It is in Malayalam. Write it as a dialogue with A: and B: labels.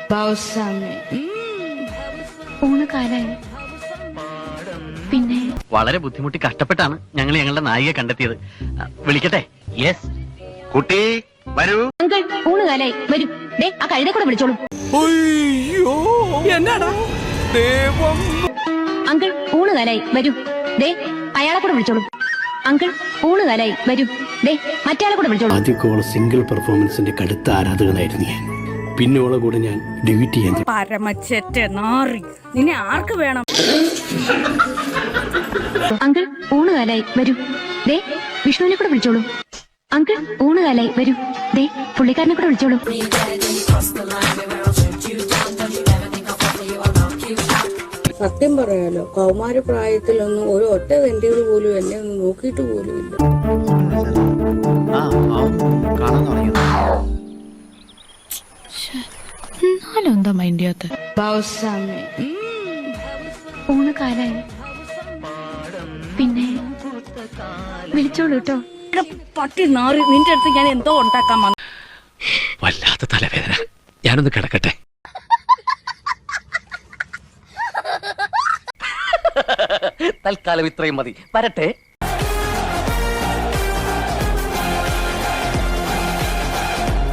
A: ഊണ് കാലായി. പിന്നെ
B: വളരെ ബുദ്ധിമുട്ടി കഷ്ടപ്പെട്ടാണ് ഞങ്ങൾ ഞങ്ങളുടെ നായികയെ കണ്ടെത്തിയത്. വിളിക്കട്ടെ? യെസ്.
C: കുട്ടി വരൂ.
A: അങ്കിൾ ഊണ് കാലായി, വരൂ. ദേ ആ കഴുതെ കൂടെ വിളിച്ചോളൂ. അങ്കിൾ ഊണ് കാലായി, വരൂ. ദേ അയാളെ കൂടെ വിളിച്ചോളൂ. അങ്കിൾ ഊണ് കാലായി, വരൂ. ദേ മറ്റയാളെ കൂടെ വിളിച്ചോളൂ.
D: ആദ്യമൊക്കെ സിംഗിൾ പെർഫോമൻസിന്റെ കടുത്ത ആരാധകനായിരുന്നു ഞാൻ. പിന്നെ ഓളെ കൂടെ ഞാൻ ഡിവീറ്റ് ചെയ്യാൻ.
E: പരമച്ചെറ്റ നാറി, നിന്നെ ആർക്ക് വേണം?
A: അങ്കിൾ ഊണ് കാലായി, വരൂ. ദേ വിഷ്ണുവിനെ കൂടെ വിളിച്ചോളൂ. അങ്കിൾ ഊണ് കാലായി, വരൂ. ദേ പുള്ളിക്കാരനെ കൂടെ വിളിച്ചോളൂ.
F: സത്യം പറയാലോ, കൗമാര പ്രായത്തിലൊന്നും ഒരു ഒറ്റ വെന്റികൾ പോലും എന്നെ ഒന്നും നോക്കിയിട്ട് പോലുമില്ല.
E: എന്താ മൈൻഡ് ചെയ്യാത്ത?
A: ഊണ് കാലായി. പിന്നെ വിളിച്ചോളൂ കേട്ടോ.
E: പട്ടി നാറി, നിന്റെ അടുത്ത് ഞാൻ എന്തോ ഉണ്ടാക്കാൻ വന്നു.
D: വല്ലാത്ത തലവേദന, ഞാനൊന്ന് കിടക്കട്ടെ.
B: തൽക്കാലം ഇത്രയും മതി. വരട്ടെ.